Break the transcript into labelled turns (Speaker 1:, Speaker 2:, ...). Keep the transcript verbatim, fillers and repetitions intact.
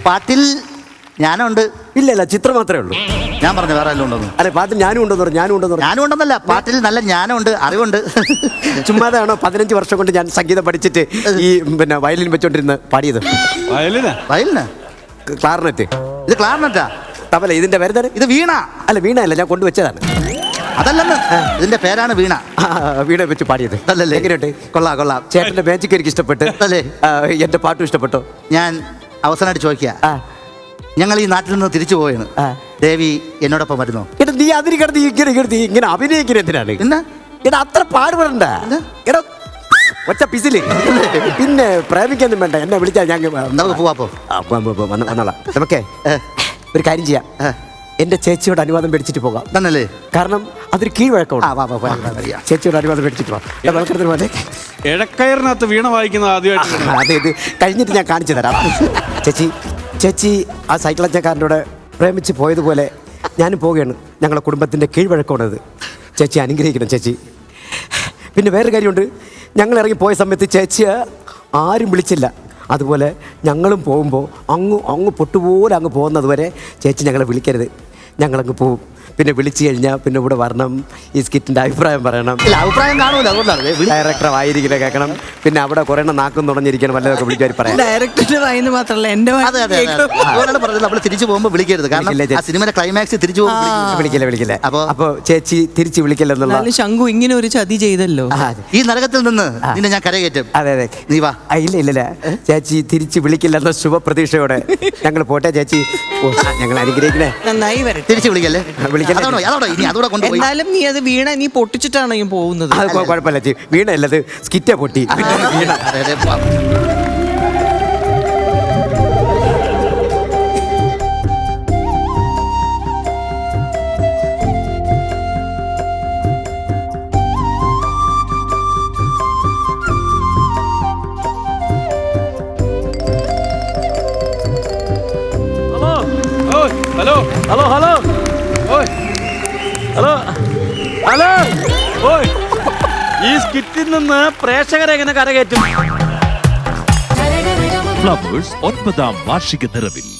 Speaker 1: പാട്ടിൽ ഞാനുണ്ട്.
Speaker 2: ഇല്ല ഇല്ല, ചിത്രം മാത്രമേ ഉള്ളൂ.
Speaker 1: ഞാൻ പറഞ്ഞു വേറെ എല്ലാം ഉണ്ടെന്ന്.
Speaker 2: അല്ലെ, പാട്ടിൽ ഞാനും ഉണ്ടെന്ന് പറഞ്ഞു. ഞാനും ഉണ്ടെന്ന് പറഞ്ഞു.
Speaker 1: ഞാനും ഉണ്ടെന്നല്ല, പാട്ടിൽ നല്ല ജ്ഞാനമുണ്ട്, അറിവുണ്ട്.
Speaker 2: ചുമ്മാതാണോ പതിനഞ്ച് വർഷം കൊണ്ട് ഞാൻ സംഗീതം പഠിച്ചിട്ട് ഈ പിന്നെ വയലിൻ വെച്ചോണ്ടിരുന്ന് പാടിയത്?
Speaker 1: വയലിന് വയലിന്
Speaker 2: ക്ലാർനെറ്റ്.
Speaker 1: ഇത് ക്ലാർനെറ്റാ?
Speaker 2: തബല. ഇതിന്റെ പേര്
Speaker 1: ഇത് വീണ.
Speaker 2: അല്ല, വീണ അല്ല, ഞാൻ കൊണ്ടുവച്ചതാണ്.
Speaker 1: അതല്ലെന്ന്, ഇതിന്റെ പേരാണ് വീണ.
Speaker 2: വീണ വെച്ച് പാടിയത്.
Speaker 1: അല്ലല്ലേ?
Speaker 2: എങ്ങനെയുണ്ട്?
Speaker 1: കൊള്ളാം കൊള്ളാം.
Speaker 2: ചേട്ടന്റെ മാജിക് എനിക്ക് ഇഷ്ടപ്പെട്ടു.
Speaker 1: അല്ലേ?
Speaker 2: എന്റെ പാട്ടും ഇഷ്ടപ്പെട്ടോ?
Speaker 1: ഞാൻ അവസാനമായിട്ട് ചോദിക്കുക, ഞങ്ങൾ ഈ നാട്ടിൽ നിന്ന് തിരിച്ചു പോവുകയാണ്. ദേവി എന്നോടൊപ്പം വരുന്നോ?
Speaker 2: എടാ, നീ അതിന് കിടന്ന് ഇങ്ങനെ കിടന്ന് ഇങ്ങനെ അഭിനയിക്കുന്ന എന്തിനാണ്?
Speaker 1: എന്നാ
Speaker 2: എടാ, അത്ര പാടുപെടണ്ട. എടാ, ഒറ്റ പിസില്. പിന്നെ പ്രേമിക്കൊന്നും വേണ്ട, എന്നെ വിളിച്ചാൽ ഞാൻ
Speaker 1: പോവാപ്പോ
Speaker 2: വന്നോളാം. നമുക്കേ ഒരു കാര്യം ചെയ്യാം. എന്റെ ചേച്ചിയോട് അനുവാദം മേടിച്ചിട്ട് പോകാം.
Speaker 1: തന്നല്ലേ?
Speaker 2: കാരണം അതൊരു കീഴ്വഴക്കമാണ്. ചേച്ചിയോട് അനുവാദം മേടിച്ചിട്ട് പോകാം. പോലെ
Speaker 3: ഇഴക്കയറിനകത്ത് വീണ വായിക്കുന്നത് ആദ്യമായിട്ട്.
Speaker 2: അതെ, ഇത് കഴിഞ്ഞിട്ട് ഞാൻ കാണിച്ചു തരാം. ചേച്ചി ചേച്ചി ആ സൈക്കിൾ അച്ചക്കാരനോട് പ്രേമിച്ച് പോയതുപോലെ ഞാനും പോവുകയാണ്. ഞങ്ങളുടെ കുടുംബത്തിൻ്റെ കീഴ്വഴക്കമാണത്. ചേച്ചി അനുഗ്രഹിക്കണം ചേച്ചി. പിന്നെ വേറൊരു കാര്യമുണ്ട്, ഞങ്ങൾ ഇറങ്ങി പോയ സമയത്ത് ചേച്ചിയെ ആരും വിളിച്ചില്ല. അതുപോലെ ഞങ്ങളും പോകുമ്പോൾ അങ്ങ് അങ്ങ് പൊട്ടുപോലെ അങ്ങ് പോകുന്നത് വരെ ചേച്ചി ഞങ്ങളെ വിളിക്കരുത്. ഞങ്ങളങ്ങ് പോവും. പിന്നെ വിളിച്ചു കഴിഞ്ഞാൽ പിന്നെ ഇവിടെ വരണം, ഈ സ്കിറ്റിൻ്റെ അഭിപ്രായം പറയണം.
Speaker 1: ഇല്ല, അഭിപ്രായം കാണൂല, അതുകൊണ്ടാണ്.
Speaker 2: ഡയറക്ടർ വായിരിക്കണ കേൾക്കണം. പിന്നെ അവിടെ കുറേ നാക്കും തുടങ്ങിയിരിക്കണം, വല്ലതൊക്കെ വിളിക്കാൻ പറയാം.
Speaker 4: ഡയറക്ടറുടെ വായിന്ന് മാത്രമല്ല എൻ്റെ
Speaker 1: അതുകൊണ്ടാണ് പറഞ്ഞത് നമ്മൾ തിരിച്ചു പോകുമ്പോൾ വിളിക്കരുത്. കാരണം ആ സിനിമയുടെ ക്ലൈമാക്സ് തിരിച്ചു പോകുമ്പോൾ
Speaker 2: വിളിക്കില്ല വിളിക്കില്ല അപ്പൊ അപ്പൊ ചേച്ചി തിരിച്ച് വിളിക്കില്ലെന്നുള്ള.
Speaker 4: ശംഖു ഇങ്ങനെ ഒരു ചതി ചെയ്തല്ലോ.
Speaker 1: ഈ നരകത്തിൽ നിന്ന് നിന്നെ ഞാൻ കരകയറ്റും.
Speaker 2: അതെ അതെ,
Speaker 1: നീ വാ.
Speaker 2: ഇല്ല ഇല്ലല്ല, ചേച്ചി തിരിച്ച് വിളിക്കില്ലെന്ന ശുഭപ്രതീക്ഷയോടെ ഞങ്ങൾ പോട്ടെ ചേച്ചി. ഞങ്ങൾ അനുഗ്രഹിക്കണേ.
Speaker 4: നന്നായി വരട്ടെ.
Speaker 1: തിരിച്ചു വിളിക്കല്ലേ?
Speaker 2: വിളിക്കല്ലോ.
Speaker 4: എന്നാലും നീ അത് വീണ നീ പൊട്ടിച്ചിട്ടാണ് ഈ പോകുന്നത്.
Speaker 2: അത് കുഴപ്പമില്ല ചേച്ചി, വീണല്ലത് സ്കിറ്റേ പൊട്ടി. വീണ
Speaker 3: ഹലോ ഹലോ ഹലോ ഓയ് ഹലോ ഹലോ ഓയ് ഈ സ്കിറ്റിൽ നിന്ന് പ്രേക്ഷകരെ എങ്ങനെ കരകയറ്റും?
Speaker 5: ഫ്ലവേഴ്സ് ഒൻപതാം വാർഷിക നിറവിൽ